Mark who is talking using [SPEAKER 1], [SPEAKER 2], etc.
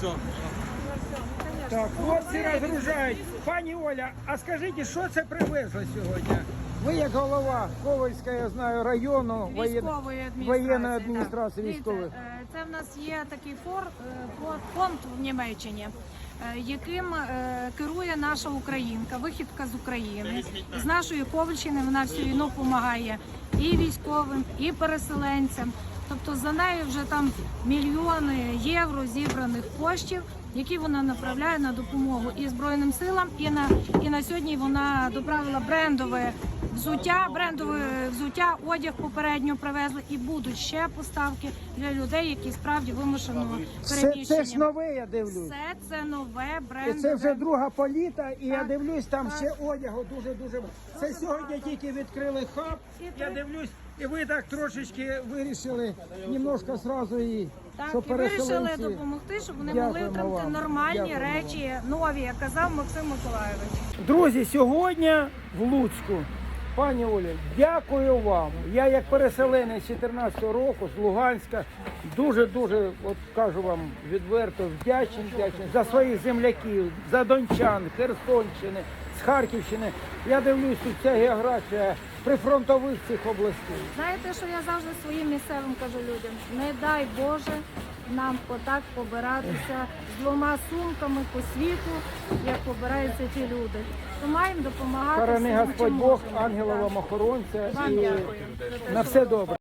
[SPEAKER 1] все.
[SPEAKER 2] Так, хлопці розгружають. Пані Оля, а скажіть, що це привезли сьогодні? Ви як голова Ковальського, я знаю, району воєнної адміністрації військової.
[SPEAKER 3] Це в нас є такий фонд в Німеччині, яким керує наша українка, вихідка з України. З нашої Ковальщини вона всю війну допомагає і військовим, і переселенцям. Тобто за нею вже там мільйони євро зібраних коштів, які вона направляє на допомогу і Збройним силам, і на сьогодні вона доправила брендове взуття, одяг попередньо привезли, і будуть ще поставки для людей, які справді вимушено переміщені.
[SPEAKER 2] Це ж нове, я дивлюсь.
[SPEAKER 3] Все це нове брендове.
[SPEAKER 2] І це вже друга політа, і я дивлюсь, там ще одягу дуже-дуже. Це сьогодні тільки відкрили хаб, я дивлюсь, і ви так трошечки вирішили немножко зразу і
[SPEAKER 3] Так, і вирішили допомогти, щоб вони могли отримати нормальні речі, нові, як казав Максим Миколайович.
[SPEAKER 2] Друзі, сьогодні в Луцьку. Пані Олі, дякую вам. Я як переселенець 14-го року з Луганська дуже-дуже, от кажу вам відверто, вдячний за своїх земляків, за дончан, Херсонщини, з Харківщини. Я дивлюсь, тут ця географія прифронтових цих областей.
[SPEAKER 3] Знаєте, що я завжди своїм місцевим кажу людям? Не дай Боже нам отак побиратися з двома сумками по світу, як побираються ті люди. То маємо допомагати.
[SPEAKER 2] Хорони
[SPEAKER 3] всім,
[SPEAKER 2] Господь
[SPEAKER 3] чим
[SPEAKER 2] Бог,
[SPEAKER 3] можемо.
[SPEAKER 2] ангела вам охоронця
[SPEAKER 3] Вам
[SPEAKER 2] і
[SPEAKER 3] дякую.
[SPEAKER 2] на все добре.